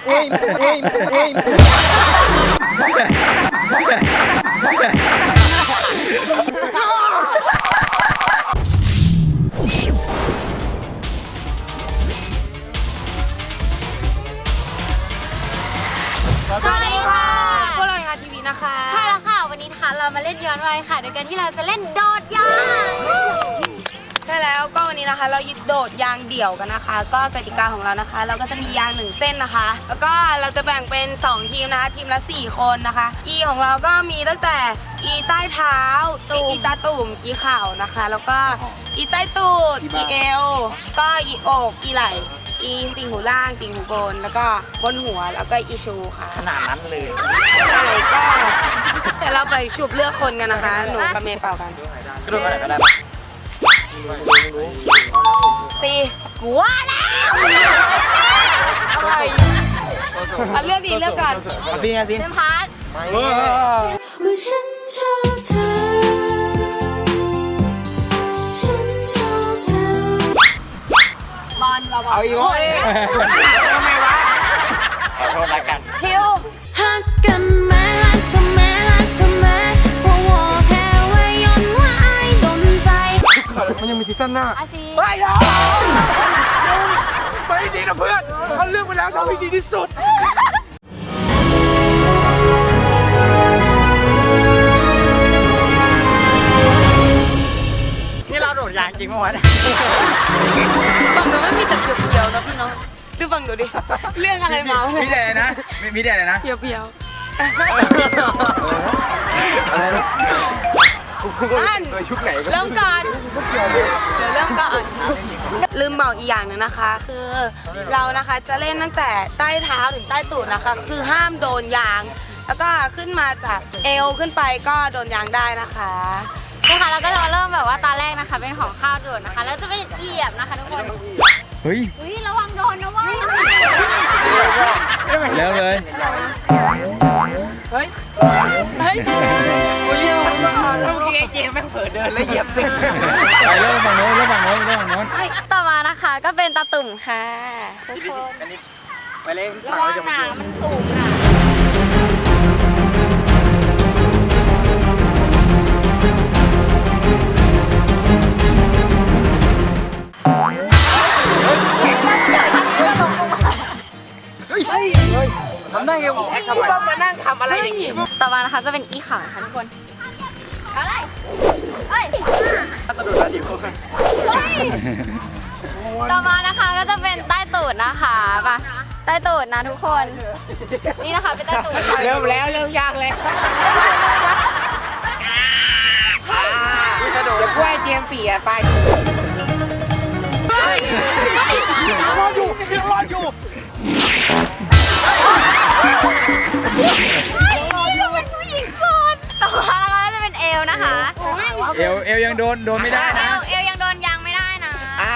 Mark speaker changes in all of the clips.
Speaker 1: สวัสดีค่ะพวกเรางานทีวีนะคะใช่แล้วค่ะวันนี้นะคะเรามาเล่นย้อนวัยค่ะโดยการที่เราจะเล่นโดดยางใช่แล้วก็วันนี้นะคะเราโดดยางเดี่ยวกันนะคะก็กติกาของเรานะคะเราก็จะมียาง1เส้นนะคะแล้วก็เราจะแบ่งเป็น2ทีมนะคะทีมละ4คนนะคะ E ของเราก็มีตั้งแต่ E ใต้เท้า E ตาตุ่ม E เข่านะคะแล้วก็ E ใต้ตูด E เอวก็ E อก E ไหล่อีติ่งหูล่างติ่งหูบนแล้วก็บนหัวแล้วก็อีชูค่ะ
Speaker 2: ขนาดนั้นเลย
Speaker 1: ใช่ก็เดี๋ยวเราไปฉุบเลือกคนกันนะคะหนูกับเมย์เป่ากัน
Speaker 2: กระโดดอะไรก็ได้ปะ
Speaker 1: สี่หัวแล้วอะไรเลือกดีเลือกก่อน
Speaker 2: ซีไงซี
Speaker 1: เซมพาร์ท
Speaker 3: ว่าฉันชอบเธอฉันชอบเธอบ
Speaker 1: อลเรา
Speaker 2: เอาอีกคนทำไมวะขอโทษละกัน
Speaker 1: ฮิว
Speaker 3: ฮักกันแม้ฮักเธอแม้ฮักเธอแม้เพราะว่าแค่ไว้ย้อนว่าไอ้โดนใจ
Speaker 2: มันยังมีซีซั่นหน้า
Speaker 1: ไป
Speaker 2: แล้วไปดีนะเพื่อนเขาเลือกไปแล้วทำให้ดีที่สุดนี่เราโดดยางจริงมั้ยวะ
Speaker 1: ฝั่งหนูไม่มีแต่เพียวๆนะพี่น้องดูฝั่งหนูดิเรื่องอะไรมา
Speaker 2: มีแต่นะมีแต่เลยนะ
Speaker 1: เพียวๆ
Speaker 2: อะไรนะ
Speaker 1: เริ่มก่อนเดี๋ยวเริ่มก่อนลืมบอกอีกอย่างหนึ่งนะคะคือเรานะคะจะเล่นตั้งแต่ใต้เท้าถึงใต้ตูดนะคะคือห้ามโดนยางแล้วก็ขึ้นมาจากเอวขึ้นไปก็โดนยางได้นะคะนี่ค่ะเราก็จะเริ่มแบบว่าตาแรกนะคะเป็นของข้าวโดดนะคะแล้วจะเป็นเหยียบนะคะทุกคน
Speaker 2: เฮ้ย
Speaker 1: ระวังโดนนะเว้ย
Speaker 2: แล้วเลย
Speaker 1: เฮ้ยเมื่อกี้เจมแม่งเผลอเดินแล้วเหยียบเส้น
Speaker 2: ไปเริ่มฝั่งโน้น
Speaker 1: ต่อมานะคะก็เป็นตาตุ่มค่ะทุกคน
Speaker 2: ไปเลย
Speaker 1: ระวังหนามันสูงอ่ะ
Speaker 2: ทำได้ไงวะต้องมานั่งทำอะไรอย่างงี้
Speaker 1: ต่อมานะคะจะเป็นอีข่าวค่ะทุกคนอะไรเฮ้ย
Speaker 2: กระโดดดีกว่า
Speaker 1: ต่อมานะคะก็จะเป็นใต้ตูดนะคะป่ะใต้ตูดนะทุกคนนี่นะคะเป็นใต้ตูด
Speaker 2: เริ่มยากเลยกระโดดจะกล้วยเจียมปีอะไปรออยู่
Speaker 1: เป็นผู้หญิงโสดต่อมานะคะจะเป็นเอวนะคะ
Speaker 2: เอวยังโดนไม่ได้นะ
Speaker 1: เอวยังโดนยางไม่ได้นะ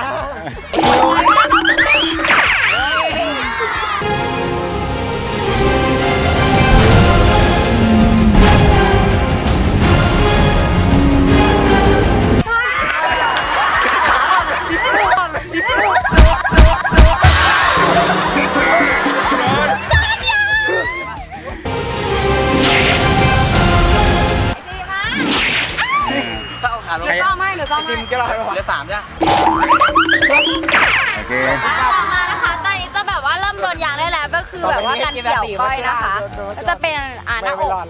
Speaker 1: เหลือซ่อมให้
Speaker 2: เหลือ3จ้ะโอเค
Speaker 1: ต่อมานะคะตอนนี้จะแบบว่าเริ่มโดนยางได้แล้วก็คือแบบว่าการเกี่ยวก้อยนะคะก็จะเป็นหน้าอก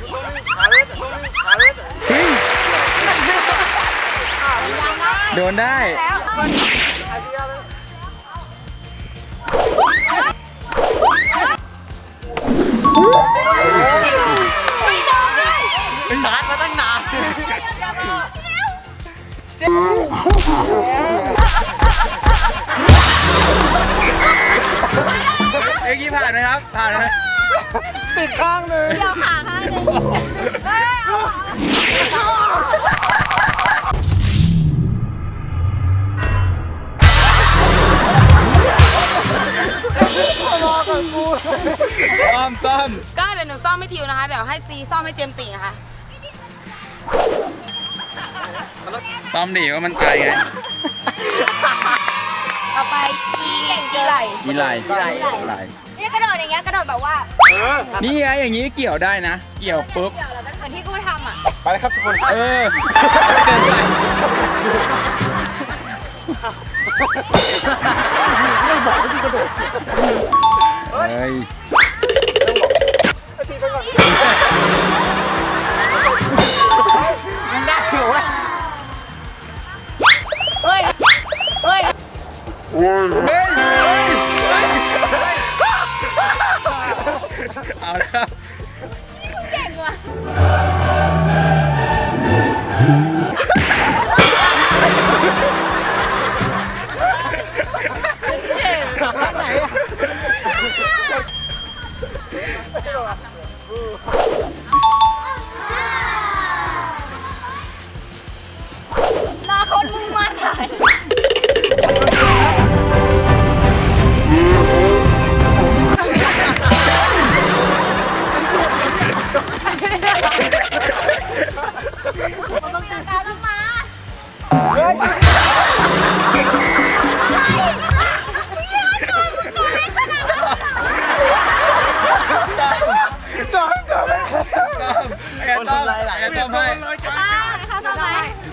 Speaker 2: โดนได้ชาร์จมาตั้งนานเอ็กกี้ผ่านไหมครับผ่านไหมปิดข้างเลย
Speaker 1: เดี๋ยวขาข้างนึง
Speaker 2: ซ่อม
Speaker 1: ก็เดี๋ยวหนูซ่อมให้ทิวนะคะเดี๋ยวให้ซีซ่อมให้เจมส์ตีนะคะ
Speaker 2: ซ่อมดิว่ามันตายไง
Speaker 1: ต่อไปอีเก่งอีไหล
Speaker 2: อีไหล
Speaker 1: นี่กระโดดอย่างเงี้ยกระโดดแบบว่า
Speaker 2: นี่ไงอย่างนี้เกี่ยวได้นะ เกี่ยวปุ๊บ
Speaker 1: เกี่ยวแล้วก็เหมือนที่กูทำอ่ะ
Speaker 4: ไปเลยครับทุกคน
Speaker 2: เออเดินไปเฮ้ย
Speaker 4: มันได้อยู่เว้ย
Speaker 2: เฮ้ยเอาแล้วครับ
Speaker 1: เก่งว่ะ
Speaker 4: ไหนอะ
Speaker 1: ลาคนมึงมาไหนต้องมา
Speaker 2: ไอ้ต้อมไอ้ต้อมให้
Speaker 1: ค่ะต่อไป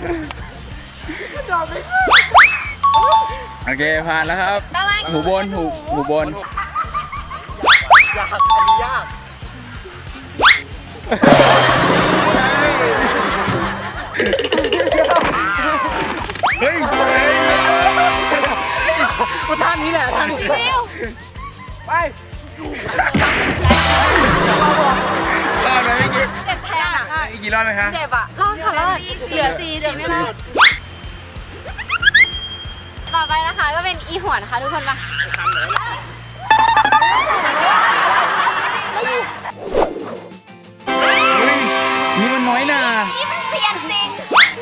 Speaker 2: โอเคผ่านแล้วครับ
Speaker 1: ต่อไป
Speaker 2: หูบนหูบน
Speaker 4: ยากอันนี้ยาก
Speaker 2: เฮ้ย
Speaker 4: กูท่านี้แหละท่านี้
Speaker 1: ฟิว
Speaker 4: ไป
Speaker 2: รอดไหมเมื่อกี้
Speaker 1: เจ็บแทนอ่ะ
Speaker 2: อีกกี่รอบไหมคะ
Speaker 1: เจ็บอ่ะรอดค่ะรอดเหลือ4ไม่รอดต่อไปนะคะก็เป็นอีหัวนะคะทุกคนมา
Speaker 2: เฮ้ยนี่มันน้อยหนา
Speaker 1: นี่มันเสียนจริง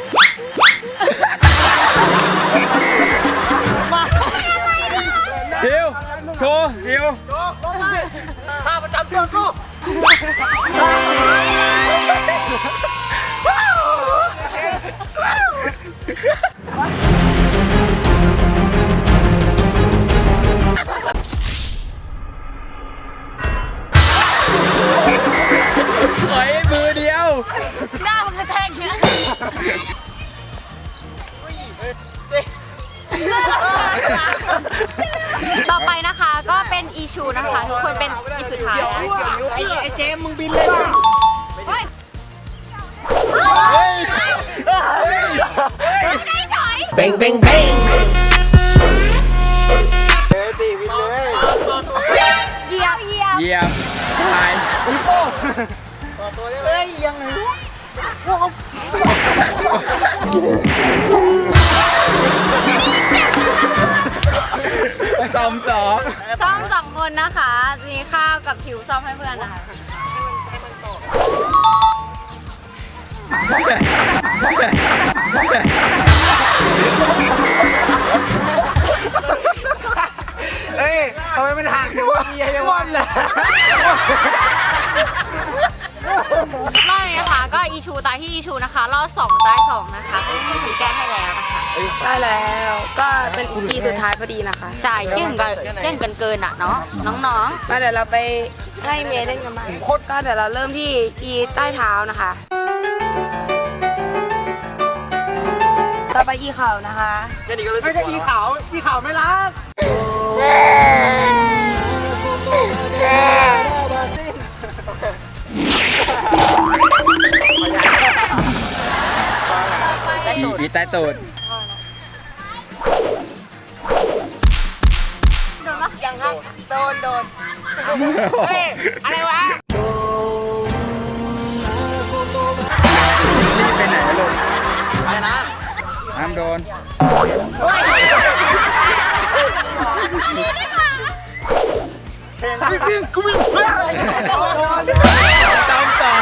Speaker 2: เดี๋ยวโชว์เดี๋ยว
Speaker 4: ท่าประจำตัวกู
Speaker 2: ถอยมือเดียว
Speaker 1: หน้ามันกระแทกเงี้ยต่อไปนะคะก็เป็นอีชูนะคะทุกคนเป็นอีสุดท้ายแล้ว
Speaker 4: ไอ้เจมมึงบินเลยป่ะ
Speaker 1: เฮ้ย
Speaker 2: เฮ้ย
Speaker 1: ได้ถอย
Speaker 3: Bang bang bang
Speaker 4: เฮ้ยตีบินเลย
Speaker 1: เหยียบ
Speaker 2: เยี่ยมตาย
Speaker 4: อีโป้ต่อตัวได้ไหมเฮ้ยยังไงวะ
Speaker 2: ซ้อมสอง
Speaker 1: ซ่อม2 คนนะคะ มีข้าวกับผิวซ่อมให้เพื่อนนะคะ
Speaker 4: เฮ้ยทำไมมันห่างจังวะเยี่ยมวันเลย
Speaker 1: รอบนี้นะคะก็อีชูตายที่อีชูนะคะรอบ2ตาย2นะคะคุณผีแก้ให้แล้วนะคะ
Speaker 5: ใช่แล้วก็เป็นอีสุดท้ายพอดีนะคะ
Speaker 1: ใช่เก่งกันเกินอ่ะเนาะน้อง
Speaker 5: มาเดี๋ยวเราไปให้เมย์เล่นกันบ้างก็เดี๋ยวเราเริ่มที่อีใต้เท้านะคะ ต่อไปอีเข่านะคะ
Speaker 4: แค่นี้ก็รู้สึกไม่ใช่อีขาวอีขาวไม่รัก
Speaker 2: อีใต้ตูด
Speaker 5: ยังครับ โดน
Speaker 2: เฮ้ย
Speaker 5: อะไรวะ
Speaker 2: นี่ไปไหนลูก
Speaker 4: ไปนะ
Speaker 2: ห้ามโดน
Speaker 4: วิ่งกูวิ่ง
Speaker 2: ต้อมต่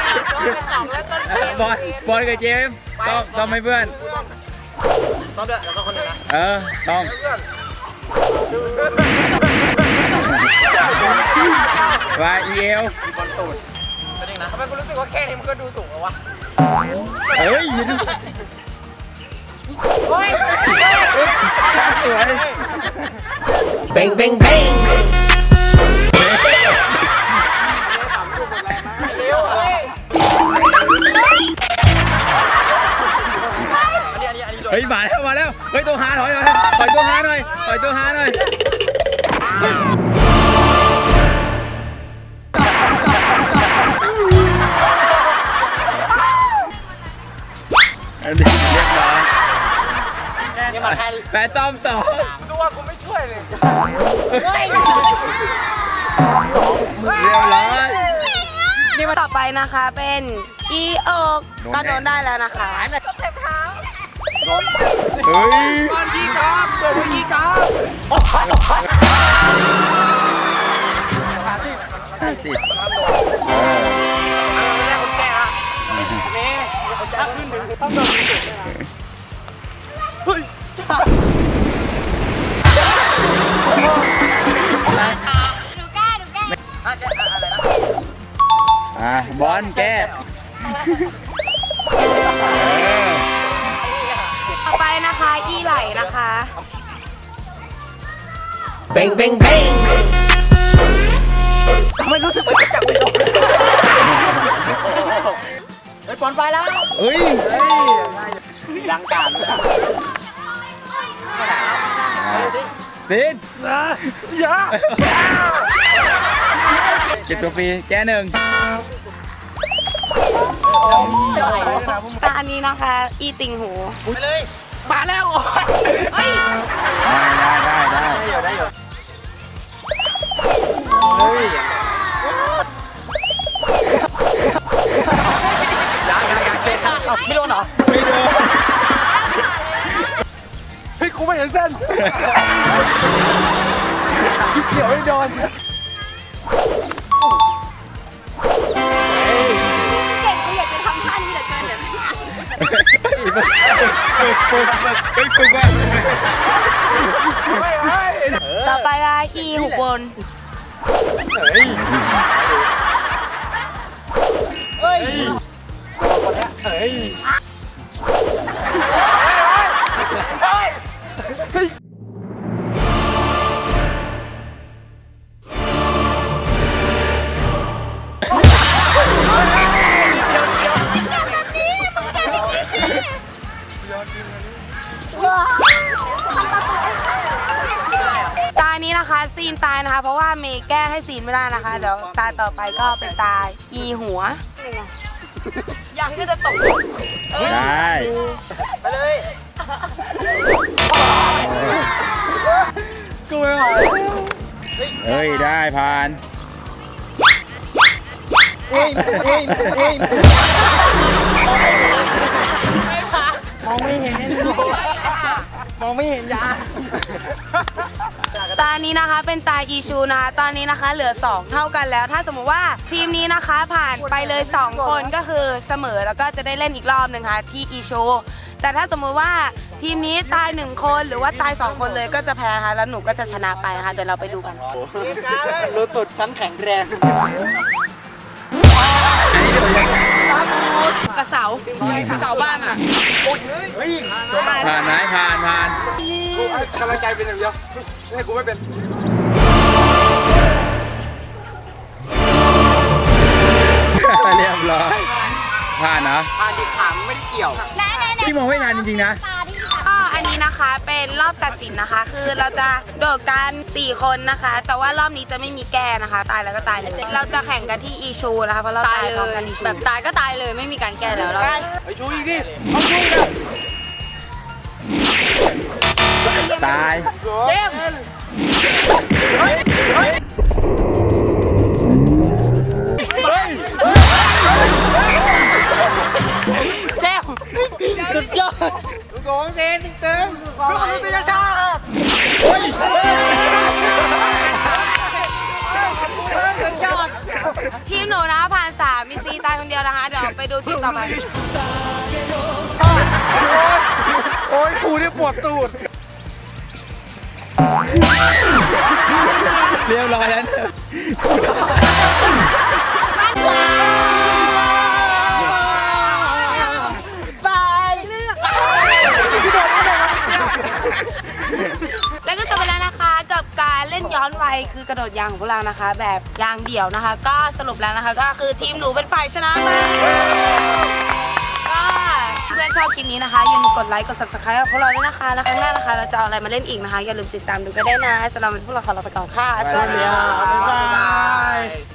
Speaker 2: อบอลกับเจมส์ต้องให้เพื่อน
Speaker 4: ต้องด้วยแล้วก็คนหนึ่งนะ
Speaker 2: ต้องว่าเอว
Speaker 4: บอลตูดเป็นยังนะทำไมกูรู้สึกว่าแค่นี้มันก็ดูสูงแล้ววะ
Speaker 2: เฮ้ยสวย
Speaker 6: Bang, bang, bang.
Speaker 2: เฮ้ยมาแล้วเฮ้ยตัวหาถอยตัวหาหน่อยตัวหาหน่อยเรียบร้อยแปดซ้อม2ดูว่ากูไม่ช่วยเลยเรียบร้อย
Speaker 5: นี่มาต่อไปนะคะเป็นอีเอิกก็โดนได้แล้วนะคะ
Speaker 2: เฮ้ย บอลแก้
Speaker 5: ต่อไปนะคะอีไหลนะคะ
Speaker 6: Bang, bang, bang.
Speaker 4: ไม่รู้สึกเหมือนจะจับไปโดนไอ้ปอนไปแล้ว
Speaker 2: เฮ้ย
Speaker 4: ลังการเลย
Speaker 2: สินอย่าเก็บตัวฟรีแก้1
Speaker 5: แต่อันนี้นะคะอีติ่งหู
Speaker 4: ไปเลยมาแล้ว
Speaker 5: เฮ้ย
Speaker 2: ได้
Speaker 4: ยังเช็คไม่โดนเหรอ
Speaker 2: ไม่โดน
Speaker 4: เฮ้ยกูไม่เห็นเส้นเดี๋ยวไม่โดน
Speaker 1: เก่งเขาอยากจะทำท่านี้เหลือเกินเนี่ย
Speaker 2: ฝึกว่า
Speaker 5: ต่อไปอะอีหูบน ตานี้นะคะซีนตายนะคะ เพราะว่าเมย์แก้ให้ซีนไม่ได้นะคะ เดี๋ยวตาต่อไปก็เป็นตาอีหัว
Speaker 1: ยังก็จะตก
Speaker 2: ได้
Speaker 4: ไปเลยกูไม่ไหว
Speaker 2: เฮ้ยได้ผ่าน
Speaker 4: มองไม่เห็นมองไม่เห็นยา
Speaker 5: ตานี้นะคะเป็นตาอีชูนะคะตอนนี้นะคะเหลือ 2 เท่ากันแล้ว ถ้าสมมุติว่าทีมนี้นะคะผ่านไปเลย 2 คนก็คือเสมอแล้วก็จะได้เล่นอีกรอบหนึ่งค่ะที่อีชูแต่ถ้าสมมุติว่าทีมนี้ตาย1 คนหรือว่าตาย 2 คนเลยก็จะแพ้นะคะแล้วหนูก็จะชนะไปนะคะเดี๋ยวเราไปดูกัน
Speaker 4: รู้ตุดชั้นแข็งแรง
Speaker 5: กระเสาบ้านอ่ะ
Speaker 4: เฮ้ย
Speaker 2: ผ่านไหมผ่านกำลังใจเป็นอย่างเดียวให้กูไม่เป็นเรียบร้อยผ่านนะ
Speaker 4: ผ่านดิถามไม่ได้เกี่ยว
Speaker 2: พี่มองไม่ทันจริงๆนะ
Speaker 5: ก็อันนี้นะคะเป็นรอบตัดสินนะคะ คือเราจะโดดกัน4 คนนะคะ แต่ว่ารอบนี้จะไม่มีแก้นะคะ ตายแล้วก็ตายเลยเราจะแข่งกันที่อีชูนะคะเพราะเรา
Speaker 1: ตา
Speaker 5: ตาย ย
Speaker 1: เล
Speaker 5: พร้อม
Speaker 1: ย
Speaker 5: กันอีชู
Speaker 1: แบบตายก็ตายเลยไม่มีการแก้แล้วเรา
Speaker 4: ไปชูอีกดิ
Speaker 2: ตาย
Speaker 1: เจมส์
Speaker 5: เจ๊
Speaker 4: สุดยอดลูกโกงเซนเติมลูกมนุษยชาติสุดยอด
Speaker 5: ทีมหนูนะผ่าน3มีซีตายคนเดียวนะคะ เดี๋ยวไปดูทีมต่อไป
Speaker 4: โอ้ยกูเนี่ยปวดตูด
Speaker 2: เรียบร้อยแล้ว
Speaker 4: ตาย
Speaker 5: คือกระโดดยางของพวกเรานะคะ แบบยางเดี่ยวนะคะ ก็สรุปแล้วนะคะ ก็คือทีมหนูเป็นฝ่ายชนะมาก็เพื่อนชอบคลิปนี้นะคะอย่าลืมกดไลค์กด subscribe กับพวกเราด้วยนะคะแล้วครั้งหน้านะคะเราจะเอาอะไรมาเล่นอีกนะคะอย่าลืมติดตามดูก็ได้นะสำหรับวันนี้พวกเราขอลาไปก่อนค่ะสวัสดีค่ะ
Speaker 4: บ๊ายบาย